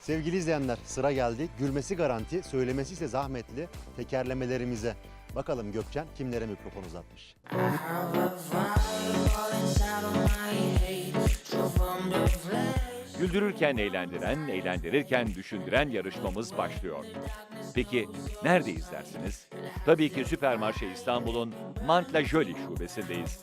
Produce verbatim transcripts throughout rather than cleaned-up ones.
Sevgili izleyenler, sıra geldi. Gülmesi garanti, söylemesi ise zahmetli tekerlemelerimize. Bakalım Gökçen kimlere mikrofon uzatmış? Güldürürken eğlendiren, eğlendirirken düşündüren yarışmamız başlıyor. Peki nerede izlersiniz? Tabii ki Süpermarşe İstanbul'un Mantla Jolie şubesindeyiz.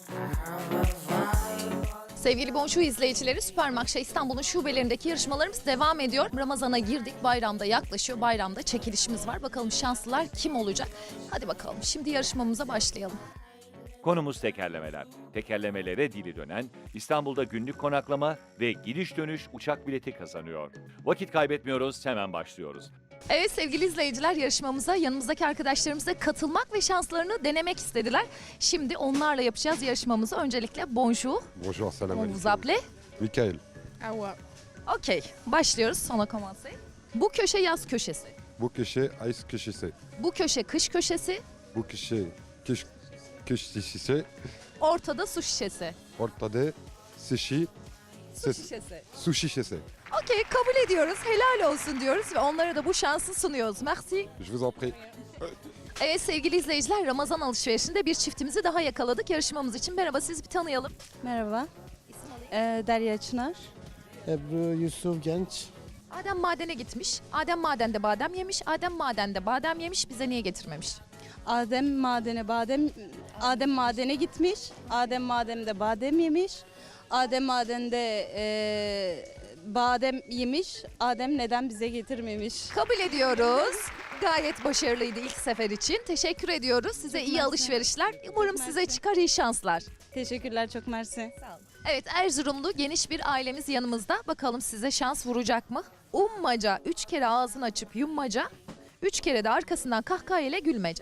Sevgili Bonjour izleyicileri, Süpermarşe İstanbul'un şubelerindeki yarışmalarımız devam ediyor. Ramazan'a girdik, bayramda yaklaşıyor. Bayramda çekilişimiz var. Bakalım şanslılar kim olacak? Hadi bakalım, şimdi yarışmamıza başlayalım. Konumuz tekerlemeler. Tekerlemelere dili dönen, İstanbul'da günlük konaklama ve gidiş dönüş uçak bileti kazanıyor. Vakit kaybetmiyoruz, hemen başlıyoruz. Evet sevgili izleyiciler, yarışmamıza yanımızdaki arkadaşlarımız da katılmak ve şanslarını denemek istediler. Şimdi onlarla yapacağız yarışmamızı. Öncelikle bonjour. Bonjour, salam On vous alaikum. appelez? Michael, Okey, başlıyoruz. Sona commencer. Bu köşe yaz köşesi. bu köşe ice köşesi. Bu köşe kış köşesi. Bu köşe kış köşesi. Ortada su şişesi. Ortada sushi, Su ses, şişesi. su şişesi. Okey, kabul ediyoruz. Helal olsun diyoruz ve onlara da bu şansı sunuyoruz. Merci. Je vous en prie. Evet sevgili izleyiciler, Ramazan alışverişinde bir çiftimizi daha yakaladık yarışmamız için. Merhaba, siz bir tanıyalım. Merhaba. Ee, Derya Çınar. Ebru Yusuf Genç. Adem madene gitmiş. Adem madende badem yemiş. Adem madende badem yemiş. Bize niye getirmemiş? Adem madene badem Adem madene gitmiş. Adem mademde badem yemiş. Adem madende e, badem yemiş. Adem neden bize getirmemiş? Kabul ediyoruz. Gayet başarılıydı ilk sefer için. Teşekkür ediyoruz. Size iyi mersi. alışverişler. Umarım Çok size mersi. çıkar iyi şanslar. Teşekkürler, çok mersi. Evet, Erzurumlu geniş bir ailemiz yanımızda. Bakalım size şans vuracak mı? Ummaca, üç kere ağzını açıp yummaca, üç kere de arkasından kahkaha ile gülmece.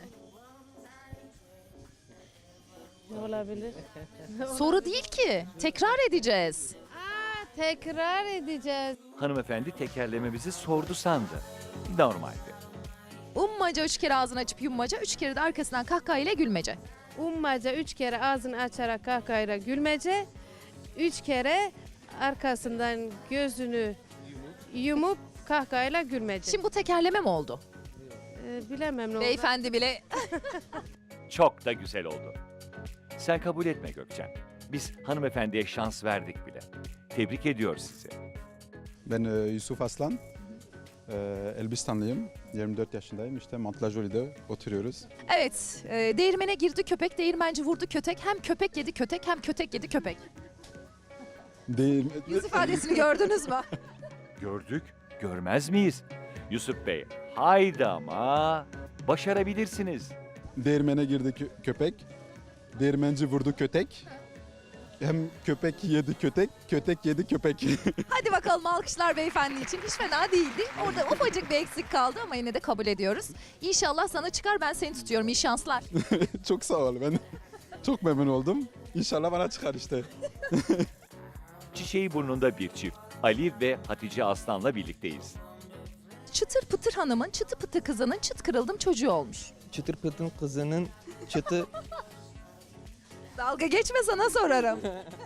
Ne olabilir? Soru değil ki. Tekrar edeceğiz. Tekrar edeceğiz. Hanımefendi tekerlememizi sordu sandı. Normaldi. Ummaca üç kere ağzını açıp yummaca, üç kere de arkasından kahkaha ile gülmece. Ummaca üç kere ağzını açarak kahkahayla gülmece. Üç kere arkasından gözünü yumup kahkahayla gülmece. Şimdi bu tekerleme mi oldu? Ee, bilemem ne oldu. Beyefendi bile Çok da güzel oldu. Sen kabul etme Gökçen. Biz hanımefendiye şans verdik bile. Tebrik ediyoruz sizi. Ben e, Yusuf Aslan, e, Elbistanlıyım, yirmi dört yaşındayım. İşte Mantla Jolie'de oturuyoruz. evet, e, değirmene girdi köpek, değirmenci vurdu kötek. Hem köpek yedi kötek, hem kötek yedi köpek. Değil, Yüz ifadesini gördünüz mü? Gördük, görmez miyiz? Yusuf Bey, haydi ama başarabilirsiniz. Değirmene girdi kö- köpek, değirmenci vurdu kötek. Hem köpek yedi kötek, kötek yedi köpek. Hadi bakalım, alkışlar beyefendi için. Hiç fena değildi. Orada ufacık bir eksik kaldı ama yine de kabul ediyoruz. İnşallah sana çıkar, ben seni tutuyorum. İyi şanslar. Çok sağ ol, ben çok memnun oldum. İnşallah bana çıkar işte. Çiçeği burnunda bir çift. Ali ve Hatice Aslan'la birlikteyiz. Çıtır pıtır hanımın çıtı pıtı kızının çıt kırıldım çocuğu olmuş. Çıtır pıtın kızının çıtı Dalga geçme, sana sorarım.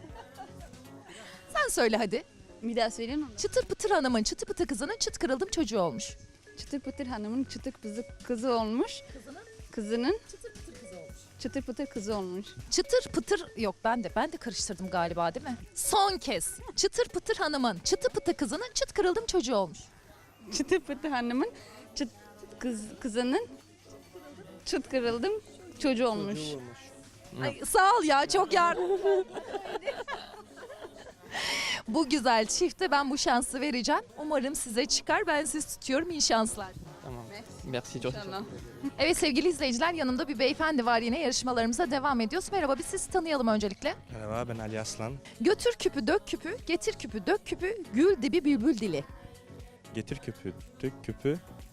Sen söyle hadi. Bir daha söyleyeyim mi? Çıtır pıtır hanımın çıtı pıtı kızının çıt kırıldım çocuğu olmuş. Çıtır pıtır hanımın çıtır kızı, kızı olmuş. Kızının Çıtır pıtır kızı olmuş. çıtır pıtır kızı olmuş. Çıtır pıtır yok, ben de ben de karıştırdım galiba, değil mi? Son kez. Çıtır pıtır hanımın çıtı pıtı kızının çıt kırıldım çocuğu olmuş. Çıtır pıtır hanımın çıt kız, kızının çıt kırıldım çocuğu olmuş. Ay, sağ ol ya, çok yardım. Bu güzel çifte ben bu şansı vereceğim. Umarım size çıkar. Ben sizi tutuyorum. İyi şanslar. Tamam. Merci çok. Tamam. Evet sevgili izleyiciler, yanımda bir beyefendi var, yine yarışmalarımıza devam ediyoruz. Merhaba, biz sizi tanıyalım öncelikle. Merhaba, ben Ali Aslan. Götür küpü dök küpü, getir küpü dök küpü, gül dibi bülbül dili. Getir küpü, dök küpü,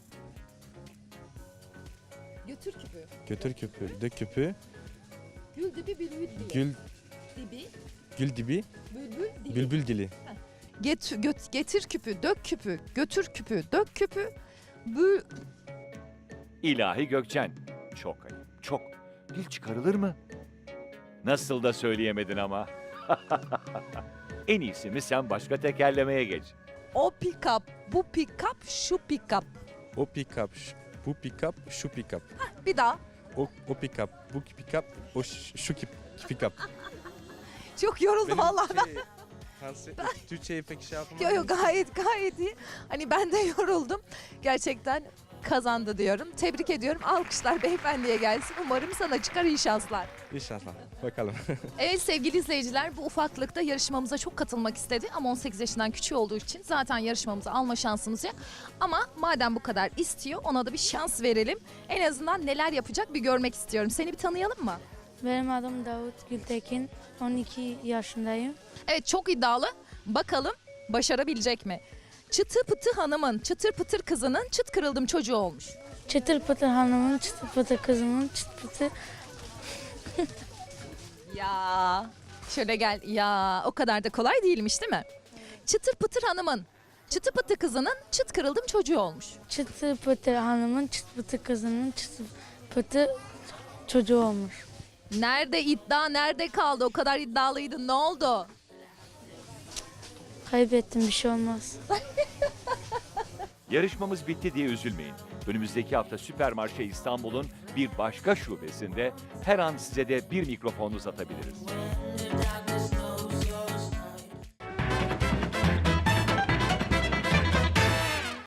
Götür küpü, götür küpü, dök küpü, gül dibi bülbül dili. gül, dibi, gül dibi, bülbül dili. bülbül dili. Get, göt, getir küpü dök küpü, götür küpü dök küpü, bül... İlahi Gökçen. Çok ayıp, çok. Dil çıkarılır mı? Nasıl da söyleyemedin ama. En iyisi mi sen başka tekerlemeye geç. O pick-up, bu pick-up, şu pick-up. O pick-up, ş- bu pick-up, şu pick-up. Bir daha. O, o pick-up, bu pick-up, o ş- şu ki- pick-up. Çok yoruldum vallahi ben. şey, Fransa, Türkçe'yi pek şey yapamadım. Yo yo gayet gayet iyi. Hani ben de yoruldum. Gerçekten kazandı diyorum. Tebrik ediyorum. Alkışlar beyefendiye gelsin. Umarım sana çıkar iyi şanslar. İnşallah. Bakalım. Evet sevgili izleyiciler bu ufaklıkta yarışmamıza çok katılmak istedi ama on sekiz yaşından küçük olduğu için zaten yarışmamıza alma şansımız yok. Ama madem bu kadar istiyor ona da bir şans verelim. En azından neler yapacak bir görmek istiyorum. Seni bir tanıyalım mı? Benim adım Davut Gültekin. on iki yaşındayım. Evet çok iddialı. Bakalım başarabilecek mi? Çıtı pıtı hanımın, çıtır pıtır kızının çıt kırıldım çocuğu olmuş. Çıtır pıtır hanımın, çıtır pıtır kızımın, çıtır pıtır... Ya şöyle gel ya o kadar da kolay değilmiş değil mi? Çıtır pıtır hanımın, çıtı pıtı kızının çıt kırıldım çocuğu olmuş. Çıtır pıtır hanımın, çıtır pıtır kızının, çıtır pıtır çocuğu olmuş. Nerede iddia nerede kaldı o kadar iddialıydın ne oldu? Kaybettim, bir şey olmaz. Yarışmamız bitti diye üzülmeyin. Önümüzdeki hafta Süpermarşe İstanbul'un bir başka şubesinde her an size de bir mikrofon uzatabiliriz.